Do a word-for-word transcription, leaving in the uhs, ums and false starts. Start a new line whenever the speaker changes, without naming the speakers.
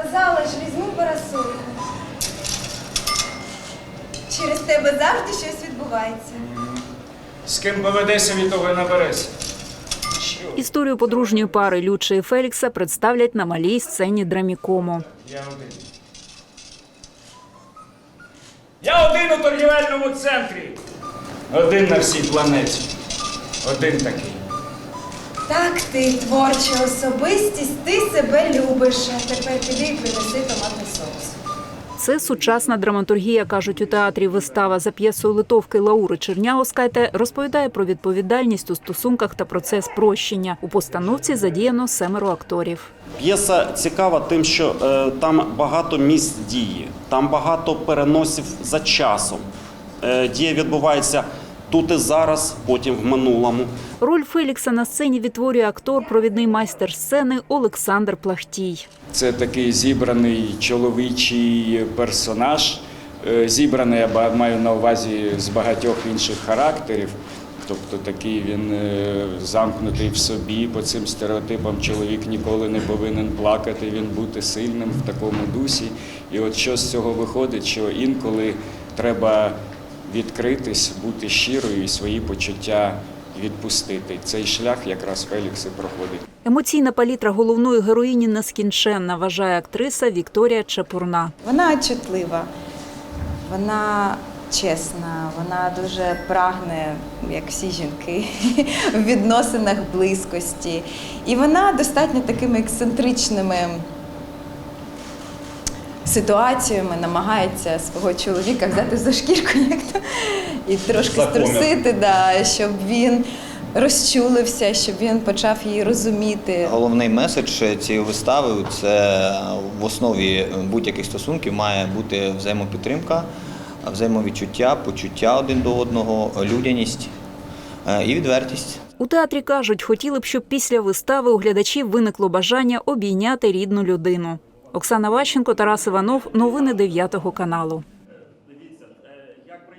спортзала ж візьму парасольку. Через тебе завжди щось відбувається.
З ким поведеся, від того й набереся.
Історію подружньої пари Лючи і Фелікса представлять на малій сцені Драмікому.
Я один. Я один у торгівельному центрі. Один на всій планеті. Один такий.
Так, ти творча особистість, ти себе любиш. А тепер піди і принеси томатний соус.
Це сучасна драматургія, кажуть у театрі. Вистава за п'єсою литовки Лаури Черняускайте розповідає про відповідальність у стосунках та процес прощення. У постановці задіяно семеро акторів.
П'єса цікава тим, що е, там багато місць дії, там багато переносів за часом. Е, дія відбувається тут і зараз, потім в минулому.
Роль Фелікса на сцені відтворює актор, провідний майстер сцени Олександр Плахтій.
Це такий зібраний чоловічий персонаж. Е, Зібраний, я маю на увазі, з багатьох інших характерів. Тобто такий він е, замкнутий в собі, по цим стереотипам чоловік ніколи не повинен плакати, він бути сильним в такому дусі. І от що з цього виходить, що інколи треба відкритись, бути щирою і свої почуття відпустити. Цей шлях якраз Фелікс і проходить.
Емоційна палітра головної героїні нескінченна, вважає актриса Вікторія Чепурна.
Вона чутлива, вона чесна, вона дуже прагне, як всі жінки, в відносинах близькості. І вона достатньо такими ексцентричними ситуаціями намагається свого чоловіка взяти за шкірку як то, і трошки струсити, да, щоб він розчулився, щоб він почав її розуміти.
Головний меседж цієї вистави – це в основі будь-яких стосунків має бути взаємопідтримка, взаємовідчуття, почуття один до одного, людяність і відвертість.
У театрі кажуть, хотіли б, щоб після вистави у глядачів виникло бажання обійняти рідну людину. Оксана Ващенко, Тарас Іванов. Новини дев'ятого каналу.